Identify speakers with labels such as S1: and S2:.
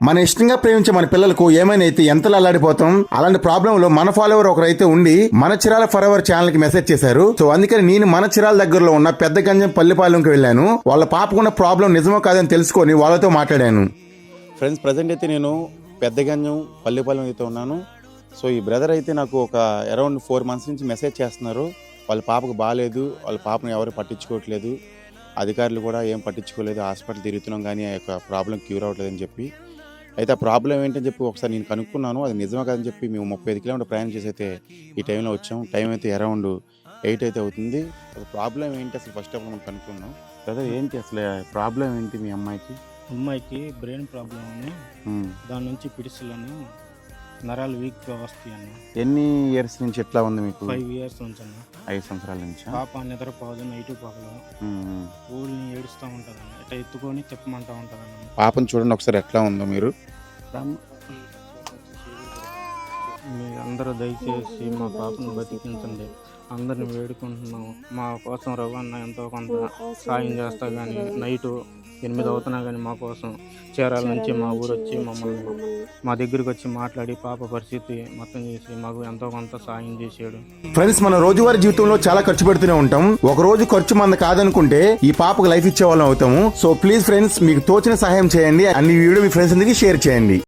S1: మన ఇష్టంగా ప్రేమించే మన పిల్లలకు ఏమైనా అయితే ఎంతలా అల్లాడిపోతాం. అలాంటి ప్రాబ్లం లో మన ఫాలోవర్ ఒకరైతే ఉండి మన చిరాల ఫర్ ఎవర్ ఛానల్ కి మెసేజ్ చేశారు. సో అందుకని నేను మన చిరాల దగ్గరలో ఉన్న పెద్ద గంజం పల్లిపాలెంకి వెళ్ళాను. వాళ్ళ పాపకున్న ప్రాబ్లం నిజమో కాదని తెలుసుకొని వాళ్ళతో మాట్లాడాను.
S2: ఫ్రెండ్స్, ప్రజెంట్ అయితే నేను పెద్ద గంజం పల్లిపాలెం అయితే ఉన్నాను. సో ఈ బ్రదర్ అయితే నాకు ఒక అరౌండ్ 4 months నుంచి మెసేజ్ చేస్తున్నారు. వాళ్ళ పాపకు బాగాలేదు, వాళ్ళ పాపను ఎవరు పట్టించుకోవట్లేదు, అధికారులు కూడా ఏం పట్టించుకోలేదు, హాస్పిటల్ తిరుగుతున్నాం కానీ ఆ యొక్క ప్రాబ్లం క్యూర్ అవ్వట్లేదని చెప్పి. అయితే ఆ ప్రాబ్లం ఏంటని చెప్పి ఒకసారి నేను కనుక్కున్నాను. అది నిజమే కదని చెప్పి మేము 35 కిలోమీటర్ ప్రయాణం చేసి అయితే ఈ టైంలో వచ్చాం. టైం అయితే అరౌండ్ 8 అయితే అవుతుంది. అసలు ప్రాబ్లం ఏంటి అసలు ఫస్ట్ ఆఫ్ ఆల్ మనం కనుక్కున్నాం. బ్రదర్, ఏంటి అసలు ప్రాబ్లం ఏంటి మీ
S3: అమ్మాయికి బ్రెయిన్ ప్రాబ్లం అని, దాని నుంచి పిడిసిలను నరాలు వీక్గా వస్తాయి అన్న.
S2: ఎన్ని ఇయర్స్ నుంచి ఎట్లా ఉంది మీకు?
S3: 5 years నుంచి అన్న.
S2: 5 సంవత్సరాల నుంచి.
S3: పాప నిద్రపోదు, నైట్ పగలు ఊళ్ళని ఏడుస్తూ ఉంటుంది అన్న. ఇట్లా ఎత్తుకొని తిప్పమంటూ ఉంటుంది అన్న.
S2: పాపను చూడండి ఒకసారి ఎట్లా ఉందో మీరు.
S3: మీ అందరూ దయచేసి మా పాపను బతికించండి, అందరిని వేడుకుంటున్నాం. మా కోసం రఘువన్న ఎంతో కొంత సాయం చేస్తా కానీ నైట్ 8 అవుతున్నా కానీ మా కోసం చీరాల నుంచి మా ఊరు వచ్చి మమ్మల్ని మా దగ్గరికి వచ్చి మాట్లాడి పాప పరిస్థితి మొత్తం చేసి మాకు ఎంతో కొంత సాయం చేసాడు.
S1: ఫ్రెండ్స్, మన రోజువారీ జీవితంలో చాలా ఖర్చు పెడుతూనే ఉంటాం. ఒక రోజు ఖర్చు మంద కాదనుకుంటే ఈ పాపకు లైఫ్ ఇచ్చే వాళ్ళం అవుతాము. సో ప్లీజ్ ఫ్రెండ్స్, మీకు తోచిన సహాయం చేయండి అండ్ ఈ వీడియో మీ ఫ్రెండ్స్ అందరికీ షేర్ చేయండి.